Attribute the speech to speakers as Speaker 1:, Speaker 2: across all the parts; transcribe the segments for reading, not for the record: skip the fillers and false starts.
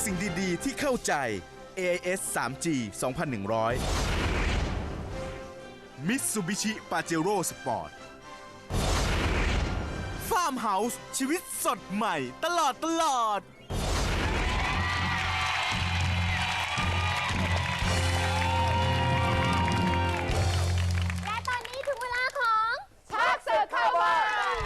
Speaker 1: สิ่งดีๆที่เข้าใจ AIS 3G 2100 Mitsubishi Pajero Sport Farmhouse ชีวิตสดใหม่ตลอด
Speaker 2: และตอนนี้ถึงเวลาของชักศึกเข้าบ้าน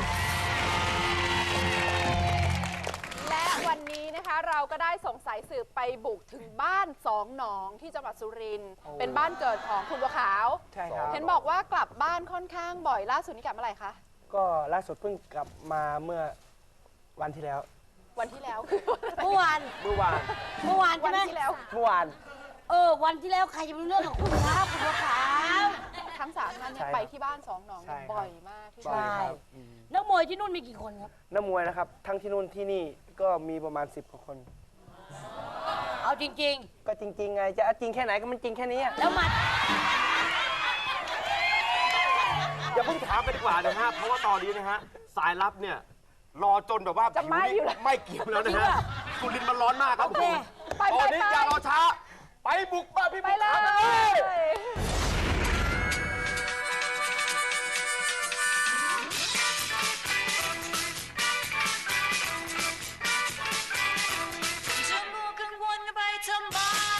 Speaker 2: และวันนี้นะคะเราก็ได้ส่งสายสืบไปบุกถึงบ้านสองหนองที่จังหวัดสุรินทร์เป็นบ้านเกิดของคุณบัวขาว
Speaker 3: ใช่ครับ
Speaker 2: เห็นบอกว่ากลับบ้านค่อนข้างบ่อยล่าสุดนี่กลับเมื่อไหร่คะ
Speaker 3: ก็ล่าสุดเพิ่งกลับมาเมื่อวันที่แล้ว
Speaker 2: วันที่แล้ว
Speaker 4: เมื่อวาน
Speaker 3: เมื่อวาน
Speaker 2: วั
Speaker 4: ใช่
Speaker 2: น
Speaker 4: ไหม
Speaker 2: ที่แล้ว
Speaker 3: เมื่อวาน
Speaker 4: วันที่แล้วใครจะรู้เรื่องของคุณครับคุณบัวขาว
Speaker 2: ทั้งสามท่านเนี่ย
Speaker 3: ใช่ครับ
Speaker 2: ไปที่บ้านสองหนอง
Speaker 3: ใช่ครับ
Speaker 2: บ่อยมากที่
Speaker 3: บ่อย
Speaker 2: สุด
Speaker 3: ครับ
Speaker 4: นักมวยที่นู่นมีกี่คนครับ
Speaker 3: นักมวยนะครับ ทั้งที่นู่นที่นี่ก็มีประมาณ10 กว่าคน
Speaker 4: เอาจริง
Speaker 3: ก็จริงๆไงจะจริงแค่ไหนก็มันจริงแค่นี้อะ
Speaker 4: ๆ แล้วมา
Speaker 5: อย่าเพิ่งถามไปดีกว่านะฮะ เพราะว่าตอนนี้นะฮะ สายลับเนี่ย รอจนแบบว่า
Speaker 2: จะไหม้อยู่แล้ว
Speaker 5: ไม่เกี่ยวแล้วนะฮะสุรินทร์มันร้อนมากครับ
Speaker 4: โอเค
Speaker 2: ไป
Speaker 5: ตอนนี้อย่ารอช้า ไปบุกบ้านพี่
Speaker 2: ไป
Speaker 5: บุก
Speaker 2: เล
Speaker 5: ขาวกันเลย
Speaker 2: ย
Speaker 6: จะมัวกังวลไปทำไม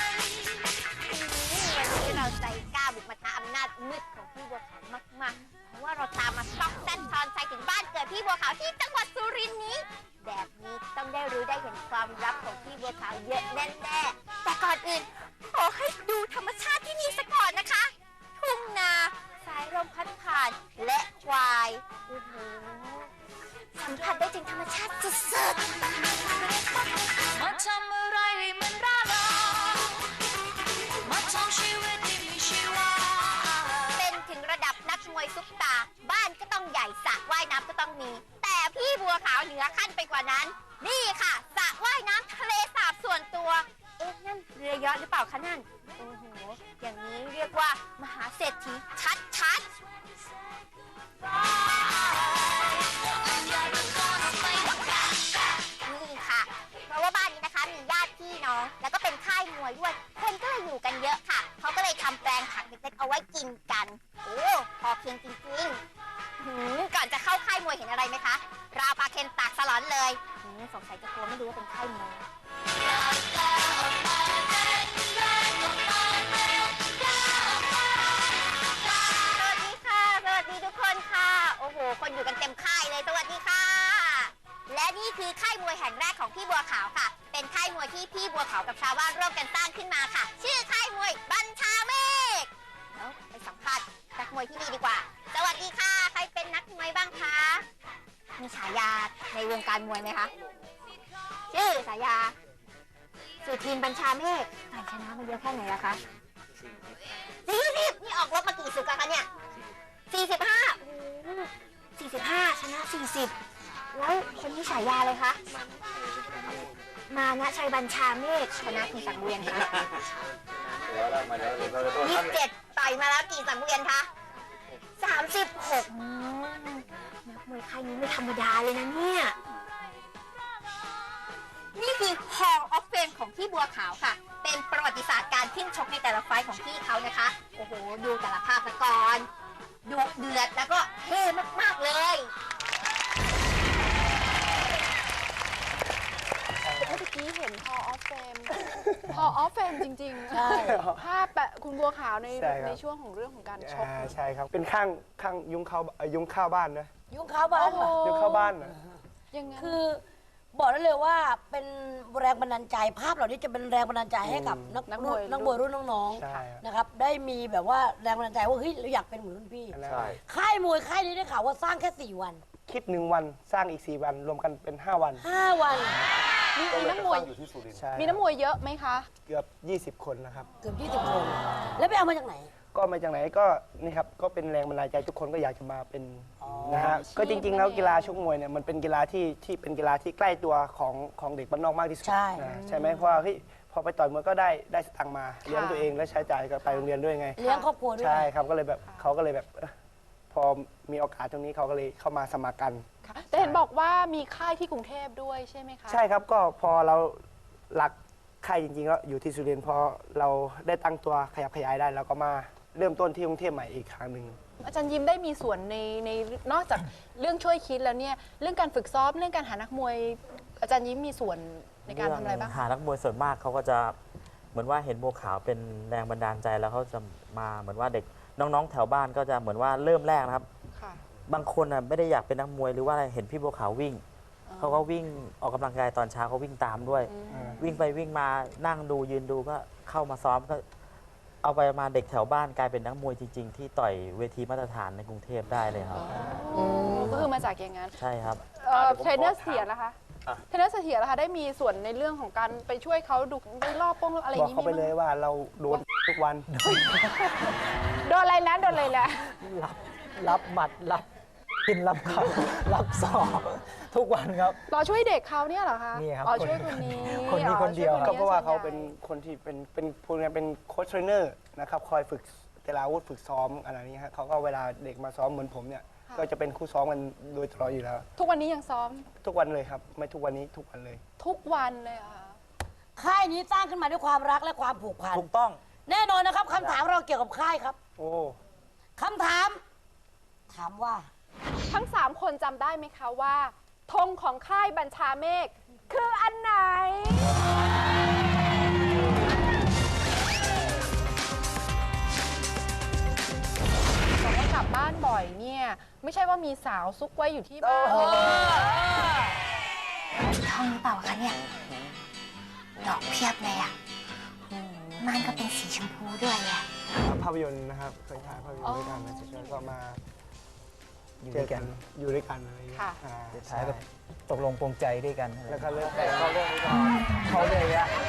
Speaker 7: วันนี้เราใจกล้าบุกมาท้าอำนาจมืดของพี่บัวขาวมากๆ เพราะว่าเราตามมาซอกแซนทอนใจถึงบ้านเกิดพี่บัวขาวที่จังหวัดสุรินทร์นี้ แบบนี้ต้องได้รู้ได้เห็นความลับของพี่บัวขาวเยอะแน่ๆแต่ก่อนอื่นขอให้ดูธรรมชาติที่นี่ซะก่อนนะคะ ทุ่งนา สายลมพัดผ่าน และควายโอ้โหสัมผัสได้ถึงธรรมชาติสุดๆ
Speaker 6: มาทำอะไรให้มันร่าเริงมาทำชีวิตที่มีชีวา
Speaker 7: เป็นถึงระดับนักมวยซุปตาร์บ้านก็ต้องใหญ่สระว่ายน้ำก็ต้องมี แต่พี่บัวขาวเหนือขั้นไปกว่านั้น นี่ค่ะสระว่ายน้ำทะเลสาบส่วนตัว เอ๊ะนั่นเรือยอชต์หรือเปล่าคะนั่นโอ้โหอย่างนี้เรียกว่ามหาเศรษฐีชัดๆนี่ค่ะ เพราะว่าบ้านนี้นะคะมีญาติพี่น้อง แล้วก็เป็นค่ายมวยด้วย คนก็เลยอยู่กันเยอะค่ะ เขาก็เลยทำแปลงผักเล็กๆเอาไว้กินกัน โอ้พอเพียงจริงๆก่อนจะเข้าค่ายมวยเห็นอะไรไหมคะ ราวปลาเคนตากสลอนเลยสงสัยจะกลัวไม่รู้ว่าเป็นค่ายมวย สวัสดีค่ะ สวัสดีทุกคนค่ะ โอ้โห คนอยู่กันเต็มค่ายเลย สวัสดีค่ะ และนี่คือค่ายมวยแห่งแรกของพี่บัวขาวค่ะ เป็นค่ายมวยที่พี่บัวขาวกับชาวบ้านร่วมกันสร้างขึ้นมาค่ะ ชื่อค่ายมวยบัญชาเมฆแล้วไปสัมภาษณ์นักมวยที่นี่ดีกว่า สวัสดีค่ะ ใครเป็นนักมวยบ้างคะ มีฉายาในวงการมวยไหมคะ ชื่อฉายา สุทินบัญชาเมฆต่อยชนะมาเยอะแค่ไหนละคะ40นี่ออกรบมากี่ศึกอะคะเนี่ย45โอ้โห45ชนะ40แล้วคนที่ฉายาเลยคะมานะชัยบัญชาเมฆชนะกี่สังเวียนคะ27ต่อยมาแล้วกี่สังเวียนคะ36นักมวยค่ายนี้ไม่ธรรมดาเลยนะเนี่ยนี่คือ Hall of Fame ของพี่บัวขาวค่ะ เป็นประวัติศาสตร์การขึ้นชกในแต่ละไฟท์ของพี่เขานะคะ โอ้โห ดูแต่ละภาพซะก่อนดุเดือดแล้วก็เท่มากๆเลย
Speaker 2: เมื่อกี้เห็น Hall of Fame Hall of Fame จริงๆ
Speaker 4: ใช่
Speaker 2: ภาพแปะคุณบัวขาวใน
Speaker 3: ใช่ครับ
Speaker 2: ในช่วงของเรื่องของการชก
Speaker 3: ใช่ครับ เป็นข้างยุงเข้าบ้านนะ
Speaker 4: ยุ่งข้าวบ้าน
Speaker 2: โอ้โห
Speaker 3: ยุงเข้าบ้านนะ
Speaker 2: ยังไง
Speaker 4: คือบอกได้เลยว่าเป็นแรงบันดาลใจภาพเหล่านี้จะเป็นแรงบันดาลใจให้กับนักมวยรุ่นน้อง
Speaker 3: ใช่ครับ
Speaker 4: ๆนะครับได้มีแบบว่าแรงบันดาลใจว่าเฮ้ยเราอยากเป็นเหมือนรุ่นพี่
Speaker 3: ใช่
Speaker 4: ค่ายมวยค่ายนี้ได้ข่าวว่าสร้างแค่4 วัน
Speaker 3: คิด1 วันสร้างอีก4 วันรวมกันเป็น5 วัน
Speaker 4: 5 วัน
Speaker 2: มีนักมวย
Speaker 5: อยู่ที่สุรินทร์
Speaker 3: ใช่
Speaker 2: มีนักมวยเยอะไหมคะ
Speaker 3: เกือบ20 คนนะครับ
Speaker 4: เกือบ20 คน แล้วไปเอามาจากไหน
Speaker 3: ก็มาจากไหนก็นี่ครับก็เป็นแรงบันดาลใจทุกคนก็อยากจะมาเป็นนะฮะ
Speaker 2: อาชีพ
Speaker 3: ก็จริงๆแล้ว
Speaker 2: นั่นเอง
Speaker 3: กีฬาชกมวยเนี่ยมันเป็นกีฬาที่เป็นกีฬาที่ใกล้ตัวของเด็กบ้านนอกมากที่สุด
Speaker 4: ใช่
Speaker 3: นะใช่ไหมเพราะว่าเฮ้ยพอไปต่อยมวยก็ได้สตังค์มาเลี้ยงตัวเองและใช้จ่ายก็ไปโรงเรียนด้วยไง
Speaker 4: เลี้ยงครอบครัวด้วย
Speaker 3: ใช่ครับก็เลยแบบเขาก็เลยแบบพอมีโอกาสตรงนี้เขาก็เลยเข้ามาสมัครกัน
Speaker 2: ค่ะแต่เห็นบอกว่ามีค่ายที่กรุงเทพด้วยใช่ไหมคะ
Speaker 3: ใช่ครับก็พอเราหลักค่ายจริงๆแล้วอยู่ที่สุรินทร์พอเราได้ตั้งตัวขยับขยายได้เราก็มาเริ่มต้นที่กรุงเทพใหม่อีกครั้งหนึ่ง
Speaker 2: อาจารย์ยิ้มได้มีส่วนในนอกจากเรื่องช่วยคิดแล้วเนี่ยเรื่องการฝึกซ้อมเรื่องการหานักมวย อาจารย์ยิ้มมีส่วนในการทำอะไรบ้าง
Speaker 8: หานักมวยส่วนมากเขาก็จะเหมือนว่าเห็นบัวขาวเป็นแรงบันดาลใจแล้วเขาจะมาเหมือนว่าเด็กน้องๆ แถวบ้านก็จะเหมือนว่าเริ่มแรกนะครับ
Speaker 2: ค่ะ
Speaker 8: บางคนไม่ได้อยากเป็นนักมวยหรือว่าอะไรเห็นพี่บัวขาววิ่งเขาก็วิ่งออกกำลังกายตอนเช้าเขาวิ่งตามด้วย วิ่งไปวิ่งมานั่งดูยืนดูก็เข้ามาซ้อมก็เอาไปมาเด็กแถวบ้านกลายเป็นนักมวยจริง ๆ ที่ต่อยเวทีมาตรฐานในกรุงเทพได้เลยครับ
Speaker 2: ก็คือมาจากอย่างนั้น
Speaker 8: ใช่ครับ
Speaker 2: เทรนเนอร์เสียนะคะ เทรนเนอร์เสียนะคะได้มีส่วนในเรื่องของการไปช่วยเขาดูไปรอบป้องอะไรอบ
Speaker 3: อย่าง
Speaker 2: นี้
Speaker 3: เขาไป
Speaker 2: มี
Speaker 3: เล
Speaker 2: มั้
Speaker 3: ย
Speaker 2: ย
Speaker 3: ว่าเราโดนทุกวัน
Speaker 2: โดนอะไรนะโดนอะไรนะ
Speaker 9: รับหมัดรับกินรับเขา รับสอบทุกวันครับ
Speaker 2: รอช่วยเด็กเขาเนี่ยเหรอคะ
Speaker 9: นี่ครับ
Speaker 2: อ๋อช่วยคนนี้
Speaker 9: คนนี้คนเดียว
Speaker 2: อ๋อ
Speaker 3: ก็
Speaker 2: ช่
Speaker 3: เพราะว่าเขา
Speaker 2: ส่
Speaker 3: เป็น
Speaker 2: ใหญ่
Speaker 3: คนที่เป็นพูดง่ายๆเป็นโค้ชเทรนเนอร์นะครับคอยฝึกแต่ละอาวุธฝึกซ้อมอะไรนี้ฮะเขาก็เวลาเด็กมาซ้อมเหมือนผมเนี่ยก็จะเป็นคู่ซ้อมกันโดยตลอดอยู่แล้ว
Speaker 2: ทุกวันนี้ยังซ้อม
Speaker 3: ทุกวันเลยครับไม่ทุกวันนี้ทุกวันเลย
Speaker 2: ทุกวันเลยเหรอค่ะ
Speaker 4: ค่ายนี้สร้างขึ้นมาด้วยความรักและความผูกพัน
Speaker 8: ถูกต้อง
Speaker 4: แน่นอนนะครับคำถามเราเกี่ยวกับค่ายครับ
Speaker 3: โอ้
Speaker 4: คำถาม ถามว่า
Speaker 2: ทั้ง 3 คนจำได้ไหมคะว่าธงของค่ายบัญชาเมฆคืออันไหน บอกว่ากลับบ้านบ่อยเนี่ย ไม่ใช่ว่ามีสาวซุกไว้อยู่ที่บ้าน
Speaker 7: ท้องหรือเปล่าคะเนี่ย ดอกเพียบเลยอ่ะม่านก็เป็นสีชมพูด้วยอ่ะ
Speaker 3: ภาพยนตร์นะครับเคยถ่ายภาพยนตร์ด้วยกันนะเฉยๆก็มา
Speaker 9: อยู่
Speaker 3: เจ
Speaker 9: ด้ว
Speaker 3: อย
Speaker 9: กั
Speaker 3: กัน นอยู่ด้วยกันอะไรอย่างเงี้ย
Speaker 2: ค่ะ
Speaker 3: อ่า
Speaker 9: สุดท้ายแบบตกลงปรงใจด้วยกันอะไร
Speaker 3: แล้วก็เรื่องแต่ก็เรื่องนี้ก็
Speaker 9: เขาเลยอะ